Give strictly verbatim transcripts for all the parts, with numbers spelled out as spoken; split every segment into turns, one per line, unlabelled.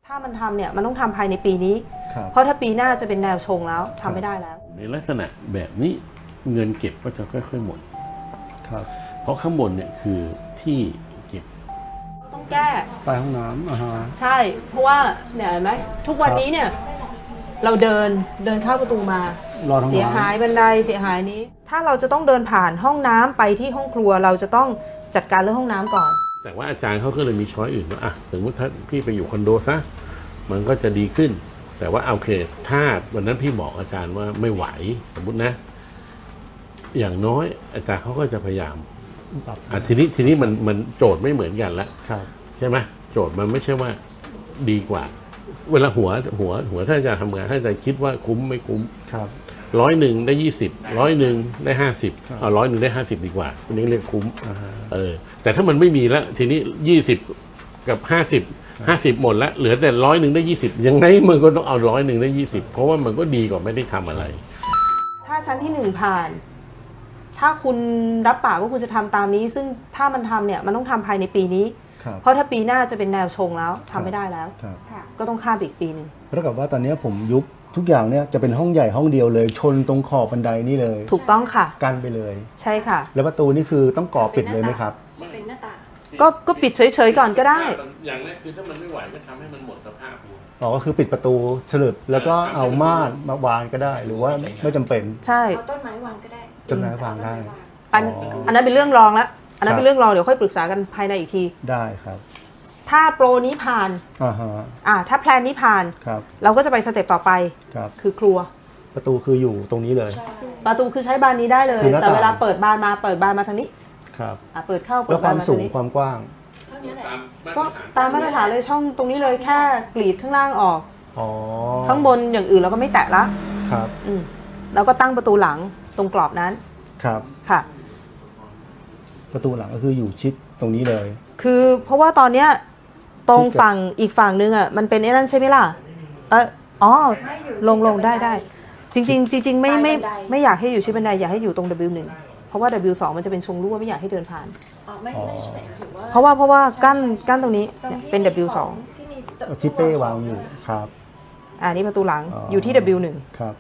ถ้ามันทำเนี่ยมันต้องทำภายในปีนี้เพราะถ้าปีหน้าจะเป็นแนวชงแล้วทำไม่ได้แล้ว
ในลักษณะแบบนี้เงินเก็บก็จะค่อยๆหมด
ครับ
เพราะข้างบนเนี่ยคือที่เก็บ
ต้องแก้
ใต้ห้องน้ำอ่าฮะ
ใช่เพราะว่าเนี่ยเห็นไหมทุกวันนี้เนี่ยเราเดินเดินเข้าประตูมาเสียหายบันไดเสียหายนี้ถ้าเราจะต้องเดินผ่านห้องน้ำไปที่ห้องครัวเราจะต้องจัดการเรื่องห้องน้ำก่อน
แต่ว่าอาจารย์เขาก็เลยมีช้อยอื่นว่าอ่ะสมมติถ้าพี่ไปอยู่คอนโดซะมันก็จะดีขึ้นแต่ว่าโอเคถ้าวันนั้นพี่บอกอาจารย์ว่าไม่ไหวสมมตินะอย่างน้อยอาจารย์เขาก็จะพยายามอ่ะทีนี้ทีนี้มันมันโจทย์ไม่เหมือนกันแล้วใช่ไหมโจทย์มันไม่ใช่ว่าดีกว่าเวลาหัวหัวหัวถ้าอาจารย์ทำงานถ้าอาจารย์คิดว่าคุ้มไม่คุ้มร้อยหนึ่งได้ยี่สิบร้อยหนึ่งได้ห้าสิบเอาร้อยหนึ่งได้ห้าสิบดีกว่าอันนี้เรียกคุ้มเออแต่ถ้ามันไม่มีแล้วทีนี้ยี่สิบกับห้าสิบห้าสิบหมดแล้วเหลือแต่ร้อยหนึ่งได้ยี่สิบยังไงมันก็ต้องเอาร้อยหนึ่งได้ยี่สิบเพราะว่ามันก็ดีกว่าไม่ได้ทำอะไร
ถ้าชั้นที่หนึ่งผ่านถ้าคุณรับปากว่าคุณจะทำตามนี้ซึ่งถ้ามันทำเนี่ยมันต้องทำภายในปีนี้เพราะถ้าปีหน้าจะเป็นแนวชงแล้วทำไม่ได้แล้วก็ต้องข้ามอีกปีหนึ่ง
เท่ากับว่าตอนนี้ผมยุบทุกอย่างเนี่ยจะเป็นห้องใหญ่ห้องเดียวเลยชนตรงขอบบันไดนี่เลย
ถูกต้องค่ะ
กันไปเลย
ใช่ค่ะ
แล้วประตูนี่คือต้องก่อปิดเลยไหมครับ
เป็นหน้าต่างก็ก็ปิดเฉยๆก่อนก็ได้
อย่างแรกคือถ้ามันไม่ไหวก็ทำให้มันหมดสภาพ
อ๋อก็คือปิดประตูฉลุดแล้วก็เอาม่านมาวางก็ได้หรือว่าไม่จำเป็น
ใช่
เอาต้นไม้วางก็ได้
ต้นไม้วางได้
อันอันนั้นเป็นเรื่องรองแล้วอันนั้นเป็นเรื่องรองเดี๋ยวค่อยปรึกษากันภายในอีกที
ได้ครับ
ถ้าโปรนี้ผ่าน
อ่าฮะ
อ่าถ้าแพลนนี้ผ่าน
ครับ
เราก็จะไปสเต็ปต่อไป
ครับ
คือครัว
ประตูคืออยู่ตรงนี้เลย
ประตูคือใช้บานนี้ได้เลยแต่เวลาเปิดบานมาเปิดบานมาทางนี้
ครับ
อ่าเปิดเข้าเปิ
ดบานมาทางนี้แล้วความสูงความกว้าง
ก็ตามมาตรฐานเลยช่องตรงนี้เลยแค่กรีดข้างล่างออก
อ๋อ
ข้างบนอย่างอื่นเราก็ไม่แตะละ
ครับ
อืมแล้วก็ตั้งประตูหลังตรงกรอบนั้น
ครับ
ค่ะ
ประตูหลังก็คืออยู่ชิดตรงนี้เลย
คือเพราะว่าตอนเนี้ยตรงฝั่งอีกฝั่งนึงอ่ะมันเป็นไอ้นั่นใช่ไหมล่ะเอออ๋อลงลงได้ได้จริงๆจริงๆไม่ไม่ไม่อยากให้อยู่ชิดบันไดอยากให้อยู่ตรง ดับเบิลยู หนึ่งเพราะว่า ดับเบิลยู สองมันจะเป็นชงรั่วไม่อยากให้เดินผ่าน
อ๋อไม่ไม่ใช่ถือว่า
เพราะว่าเพราะว่ากั้นกั้นตรงนี้เป็น ดับเบิลยู สอง
ที่เป้วางอยู่ครับ
อ่านี่ประตูหลังอยู่ที่ ดับเบิลยู หนึ่ง
ครับ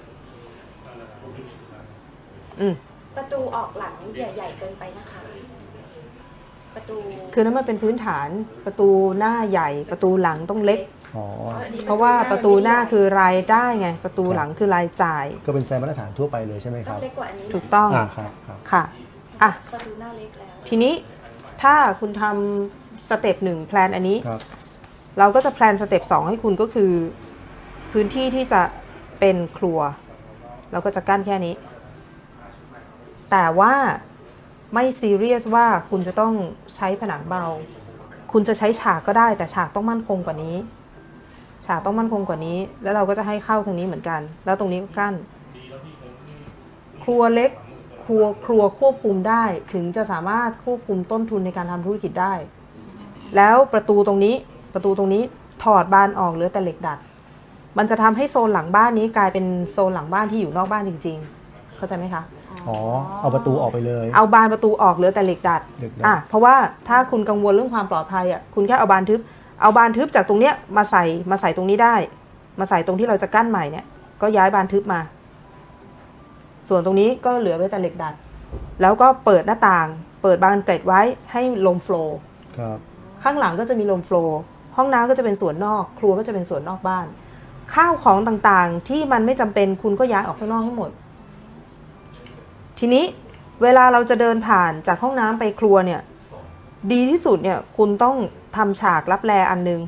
อืม
ประตูออกหลังใหญ่ๆเกินไปนะคะประตู
คือนั้นมันเป็นพื้นฐานประตูหน้าใหญ่ประตูหลังต้องเล็กเพราะว่าประตูหน้าคือรายได้ไงประตูหลังคือรายจ่าย
ก็เป็นไซส์มาตรฐานทั่วไปเลยใช่ไหมครับ
เล็กกว่าอันนี้
ถูกต้อง
อ่าครับ
ค่ะอ่ะ
ประตูหน้าเล็กแล้ว
ทีนี้ถ้าคุณทำสเต็ปหนึ่งแพลนอันนี้เราก็จะแพลนสเต็ปสองให้คุณก็คือพื้นที่ที่จะเป็นครัวเราก็จะกั้นแค่นี้แต่ว่าไม่ซีเรียสว่าคุณจะต้องใช้ผนังเบาคุณจะใช้ฉากก็ได้แต่ฉากต้องมั่นคงกว่านี้ฉากต้องมั่นคงกว่านี้แล้วเราก็จะให้เข้าทางนี้เหมือนกันแล้วตรงนี้ก็กั้นครัวเล็กครัวครัวควบคุมได้ถึงจะสามารถควบคุมต้นทุนในการทำธุรกิจได้แล้วประตูตรงนี้ประตูตรงนี้ถอดบานออกเหลือแต่เหล็กดัดมันจะทำให้โซนหลังบ้านนี้กลายเป็นโซนหลังบ้านที่อยู่นอกบ้านจริงๆเข้าใจไหมคะ
อ๋อเอาประตูออกไปเลย
เอาบานประตูออกเหลือแต่เหล็กดัดอ่ะเพราะว่าถ้าคุณกังวลเรื่องความปลอดภัยอ่ะคุณแค่เอาบานทึบเอาบานทึบจากตรงเนี้ยมาใส่มาใส่ตรงนี้ได้มาใส่ตรงที่เราจะกั้นใหม่เนี่ยก็ย้ายบานทึบมาส่วนตรงนี้ก็เหลือไว้แต่เหล็กดัดแล้วก็เปิดหน้าต่างเปิดบานเกล็ดไว้ให้ลมโฟลว์ข้างหลังก็จะมีลมโฟลว์ห้องน้ำก็จะเป็นส่วนนอกครัวก็จะเป็นส่วนนอกบ้านข้าวของต่างๆที่มันไม่จำเป็นคุณก็ย้ายออกข้างนอกให้หมดทีนี้เวลาเราจะเดินผ่านจากห้องน้ำไปครัวเนี่ยดีที่สุดเนี่ยคุณต้องทำฉากรับแลอันนึง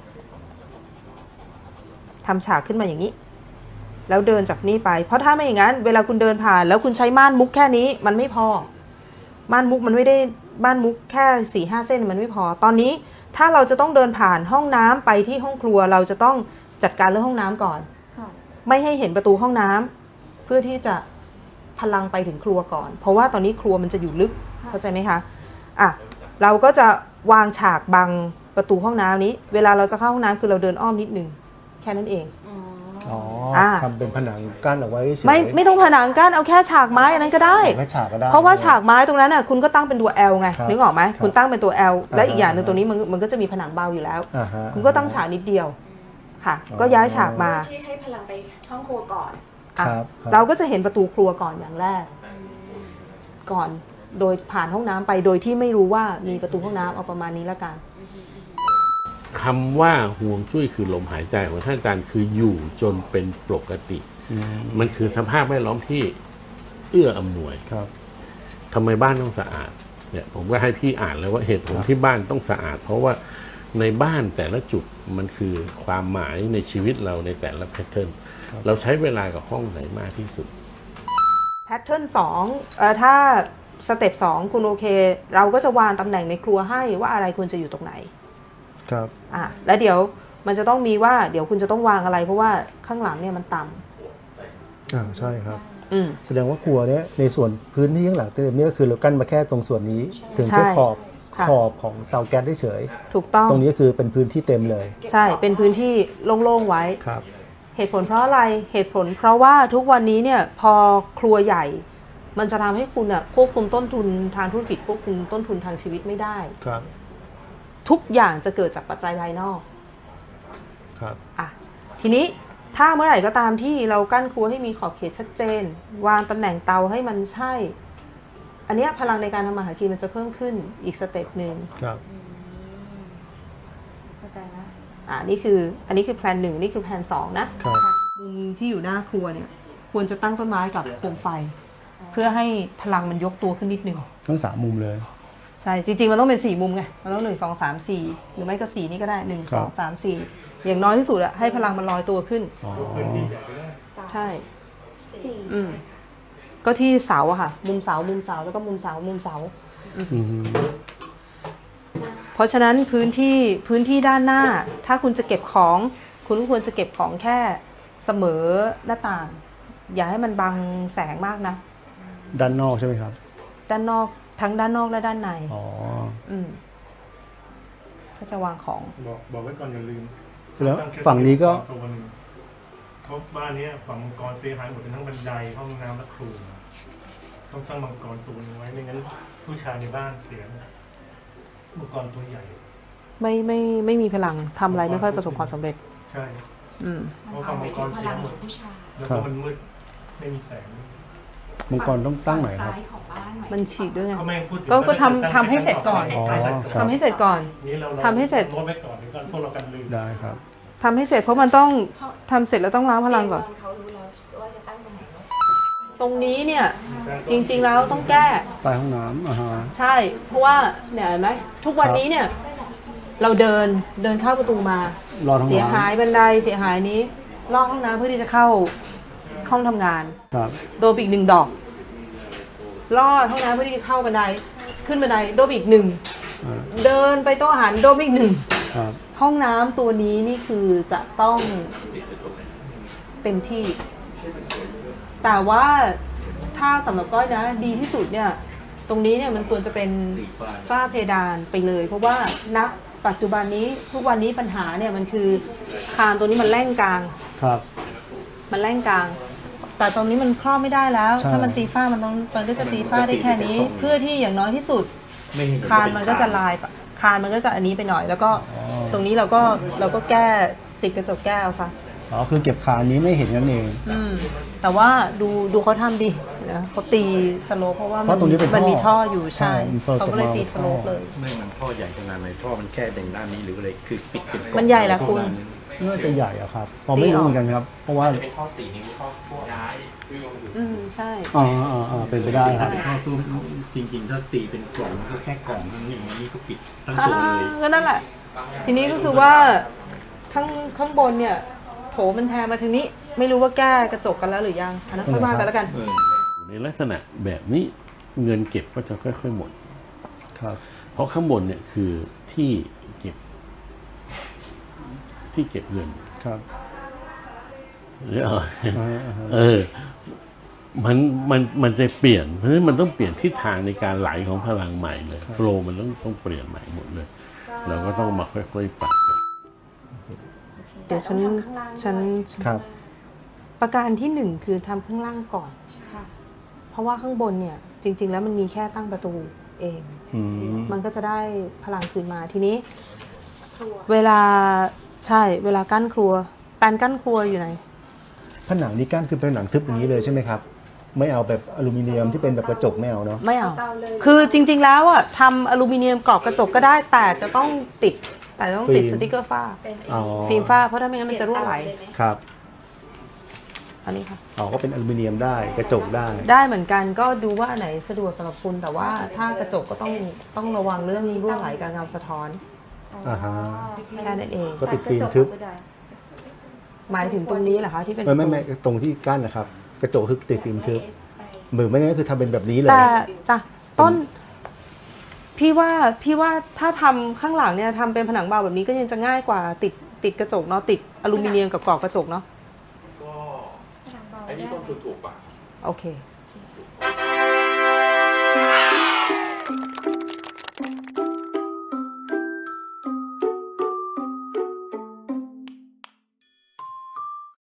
ทำฉากขึ้นมาอย่างนี้แล้วเดินจากนี้ไปเพราะถ้าไม่อย่างนั้นเวลาคุณเดินผ่านแล้วคุณใช้ม่านมุกแค่นี้มันไม่พอม่านมุกมันไม่ได้ม่านมุกแค่สี่ห้าเส้นมันไม่พอตอนนี้ถ้าเราจะต้องเดินผ่านห้องน้ำไปที่ห้องครัวเราจะต้องจัดการเรื่องห้องน้ำก่อนไม่ให้เห็นประตูห้องน้ำเพื่อที่จะพลังไปถึงครัวก่อนเพราะว่าตอนนี้ครัวมันจะอยู่ลึกเข้าใจไหมคะอ่ะเราก็จะวางฉากบังประตูห้องน้ำนี้เวลาเราจะเข้าห้องน้ำคือเราเดินอ้อมนิดนึงแค่นั้นเอง
อ๋อทำเป็นผนังกั้นเอาไว้
ไม่ไม่ต้องผนังกั้นเอาแค่ฉากไม้อันนั้นก็ได้เพราะว่าฉากไม้ตรงนั้นน่ะคุณก็ตั้งเป็นตัว L ไงนึกออกไหมคุณตั้งเป็นตัว L และอีกอย่างหนึ่งตรงนี้มันมันก็จะมีผนังเบาอยู่แล้วคุณก็ตั้งฉากนิดเดียวค่ะ
อ๋อ
ก็ย้ายฉากมา
ที่ให้พลังไปห้องครัวก่อน
อ่ะ
ครับครับ
เราก็จะเห็นประตูครัวก่อนอย่างแรก ก่อนโดยผ่านห้องน้ำไปโดยที่ไม่รู้ว่ามีประตูห้องน้ำเอาประมาณนี้ละกัน
คำว่าห่วงจุ้ยคือลมหายใจของท่านอาจารย์คืออยู่จนเป็นปกติ
อืม
มันคือสภาพแวดล้อมที่เอื้ออำนวย
ครับ
ทำไมบ้านต้องสะอาดเนี่ยผมก็ให้พี่อ่านแล้วว่าเหตุผล
ครับ
ที่บ้านต้องสะอาด เพราะว่าในบ้านแต่ละจุดมันคือความหมายในชีวิตเราในแต่ละแพทเทิร์นเราใช้เวลากับห้องไหนมากที่สุด
แพทเทิร์นสองเอ่อถ้าสเต็ปสองคุณโอเค เราก็จะวางตำแหน่งในครัวให้ว่าอะไรควรจะอยู่ตรงไหน
ครับ
อ่ะแล้วเดี๋ยวมันจะต้องมีว่าเดี๋ยวคุณจะต้องวางอะไร เพราะว่าข้างหลังเนี่ยมันต่ำ
อ่าใช่ครับ
อืม
แสดงว่าครัวเนี้ยในส่วนพื้นที่ข้างหลังเต็มเนี่ยก็คือเรากั้นมาแค่ตรงส่วนนี้ ถึง
ใช่
แค่ขอบ
ค่ะ
ขอบของเตาแก๊สเฉย
ถูกต้อง
ๆตรงนี้ก็คือเป็นพื้นที่เต็มเลย
ใช่เป็นพื้นที่โล่งๆไว้
ครับ
เหตุผลเพราะอะไรเหตุผลเพราะว่าทุกวันนี้เนี่ยพอครัวใหญ่ มันจะทำให้คุณอะควบคุมต้นทุนทางธุรกิจควบคุมต้นทุนทางชีวิตไม่ได้
ครับ
ทุกอย่างจะเกิดจากปัจจัยภายนอก
ครับ
อ่ะทีนี้ถ้าเมื่อไหร่ก็ตามที่เรากั้นครัวให้มีขอบเขตชัดเจน วางตำแหน่งเตาให้มันใช่ อันเนี้ยพลังในการทำมาหากินมันจะเพิ่มขึ้นอีกสเต็ปหนึ่ง
ครับ
เข้าใจแล้ว
อ่ะนี่คืออันนี้คือแพลนหนึ่งนี่คือแพลนสองนะครับ มุมที่อยู่หน้าครัวเนี่ยควรจะตั้งต้นไม้กับโคมไฟ เพื่อให้พลังมันยกตัวขึ้นนิดนึง
ทั้งสามมุมเลย
ใช่จริงๆมันต้องเป็นสี่มุมไงมันต้องหนึ่งสองสามสี่หรือไม่ก็สี่นี่ก็ได้หนึ่ง
ครั
ส
บ
องสามสี่อย่างน้อยที่สุดอะให้พลังมันลอยตัวขึ้น
อ๋อ
ใช่
สี่
อืมก็ที่เสาอะค่ะ มุมเสามุมเสาแล้วก็มุมเสามุมเสา
อืม
เพราะฉะนั้นพื้นที่พื้นที่ด้านหน้า ถ้าคุณจะเก็บของ คุณก็ควรจะเก็บของแค่เสมอหน้าต่าง อย่าให้มันบังแสงมากนะ
ด้านนอกใช่ไหมครับ
ด้านนอกทั้งด้านนอกและด้านใน
อ๋อ
อืมก็จะวางของ
บอกบอกไว้ก่อนอย่าลืม
แล้วฝั่งนี้ก็
ตัวหนึ่งเพราะบ้านนี้ฝั่งมังกรเสียหายหมดเป็นทั้งบันไดห้องน้ำและครัวต้องตั้งมังกรตัวหนึงไว้ไม่งั้นผู้ชายในบ้านเสียมังกรตัวใหญ่
ไม่ไม่ไม่มีพลังทำอะไรไม่ค่อยประสบความสำเร็จ
ใช่
อืม
เพราะฝั่งมังกร
พ
เสีย
ลัง
หม
ขอ
ด
งผู้ชาย
แล้ว
ครั
ก็
บ
มันมืดไม่มีแสง
มังกรต้องตั้งไหนครับ
ซ้ายของบ้านหมาย
มันฉีดด้วยไง
เขาไม่พูดถึง
ก็ก็
ว่า
ทำทำให้เสร็จก่อน
อ๋อครับ
ทำให้เสร็จก่อน
นี่เรา
ทำให้เสร็จ
โน้ตไว้ก่อนเดี๋ยวก่อนพวกเรากันลืม
ได้ครับ
ทำให้เสร็จเพราะมันต้องทำเสร็จแล้วต้องล้างพลังก่อน
เขารู้แล้วว่าจะตั้งตรงไหนเนอะ
ตรงนี้เนี่ย จริง ๆ แล้วต้องแก้
ใต้ห้องน้ำอ่าฮะ
ใช่ เพราะว่าเนี่ยเห็นไหมทุกวันนี้เนี่ย เราเดินเดินเข้าประตูมา
รอดห้อง
เสียหาย
น้ำ
บันไดเสียหายนี้ลอกห้องน้ำเพื่อที่จะเข้าห้องทำงาน
ครับ
โดนไปอีกหนึ่งดอกลอดห้องน้ำเพื่อที่จะเข้าบันไดขึ้นบันไดโดนไปอีกหนึ่ง
อ่า
เดินไปโต๊ะอาหารโดนไปอีกหนึ่ง
ครับ
ห้องน้ำตัวนี้นี่คือจะต้องเต็มที่ แต่ว่าถ้าสำหรับก้อยนะดีที่สุดเนี่ย ตรงนี้เนี่ยมันควรจะเป็นฝ้าเพดานไปเลย เพราะว่าณปัจจุบันนี้ทุกวันนี้ปัญหาเนี่ยมันคือคานตัวนี้มันแล่งกลาง
ครับ
มันแล่งกลาง แต่ตรงนี้มันครอบไม่ได้แล้ว
ใช่
ถ้ามันตีฝ้ามันต้องมันก็จะตีฝ้าได้แค่นี้ เพื่อที่อย่างน้อยที่สุด คานมันก็จะลายปะคานมันก็จะอันนี้ไปหน่อย แล้วก็ตรงนี้เราก็เราก็แก้ติดกระจกแก้วซะ
อ๋อคือเก็บคานนี้ไม่เห็นนั่นเอง
อืมแต่ว่าดูดูเขาทำดินะเขาตีสโลปเพราะว่า
เพราะตรงนี้เป็น
มันมี
ท่
ท่
อ
ออยู่ใช่
ใช่มันเปิด
เขาก็เลย
ออกมา
ตีสโลปเลย
ไม่มันท่อใหญ่ขนาดไหนท่อมันแค่เด่งด้านนี้หรืออะไรคือปิดเป็นกล่อง
มันใหญ่แหละคุณ
น่าจะใหญ่อะครับผมไม่รู้เหมือนกันครับ เพราะว่า
เป็นท่อสี่นิ้วท่อพวกย้าย
อืมใช่
อ่าอ่าอ่าเป็นไปได้ครับ
เป็นท่อตู้จริงๆ ถ้าตีเป็นกล่องมันก็แค่กล่องนั่นเองอันนี้ก็ปิดทั้ง
อ่า
ส่วนเลย
ก็นั่นแหละ ทีนี้ก็คือว่าข้างข้างบนเนี่ย โถมันแทนมาทางนี้ ไม่รู้ว่าแก้กระจกกันแล้วหรือยังอันนั้นค่อยว่ากันแล้วกัน
เออ
ในลักษณะแบบนี้เงินเก็บก็จะค่อยๆหมด
ครับ
เพราะข้างบนเนี่ยคือที่เก็บ ที่เก็บเงิน
ครับ
หรือเอา
อ่าอ่าฮะ
เออ มันมันมันจะเปลี่ยน เพราะฉะนั้นมันต้องเปลี่ยนทิศทางในการไหลของพลังใหม่เลยโฟล์มันต้องต้องเปลี่ยนใหม่หมดเลย เราก็ต้องมาค่อยๆปรับกัน
เดี๋ยวฉัน
แต่ต้องทำข้างล่าง
ฉัน
ด้วย
ครับ
ประการที่หนึ่งคือทำข้างล่างก่อน
ค่ะ
เพราะว่าข้างบนเนี่ย จริง ๆ แล้วมันมีแค่ตั้งประตูเอง
อืม
มันก็จะได้พลังคืนมาทีนี้
ครัว
เวลาใช่เวลากั้นครัวแปลนกั้นครัวอยู่ไหน
ผนังนี้กั้นคือเป็นผนังทึบอย่างนี้เลยใช่ไหมครับไม่เอาแบบอลูมิเนียมที่เป็นแบบกระจกไม่เอาเนาะ
ไม่เอา
เตาเลย
คือจริง ๆ แล้วอ่ะทำอลูมิเนียมกรอบกระจกก็ได้ แต่จะต้องติด แต่ต้องติดสติกเกอร์ฝ้า
เป็นไอ้
อ๋อ
ฟิล์มฝ้าเพราะถ้าไม่งั้นมันจะรั่วไหล
เปยนเตาเยม
ครับ
อันนี้ค่ะ
อ๋อก็เป็นอลูมิเนียมได้กระจกได้
ได้เหมือนกันก็ดูว่าอันไหนสะดวกสำหรับคุณแต่ว่าถ้ากระจกก็ต้องต้องระวังเรื่องรั่วไหลกับเงาสะท้อน
อ่าฮะ
แค่นั้นเอง
ก็ติดฟิล์มทึบ
หมายถึงตรงนี้เหรอคะที่เป็น
ไม่ไม่ไม่ตรงที่กั้นนะครับ กระจกคือติดฟิล์มทึบหรือไม่งั้นก็คือทำเป็นแบบนี้เลย
แต่จ้ะต้น พี่ว่าพี่ว่าถ้าทำข้างหลังเนี่ยทำเป็นผนังเบาแบบนี้ก็ยังจะง่ายกว่าติดติดกระจกเนาะติดอลูมิเนียมกับกรอบกระจกเนาะ
ก็ไอ้นี่ต้นทุนถูกกว่า
โอเค
เ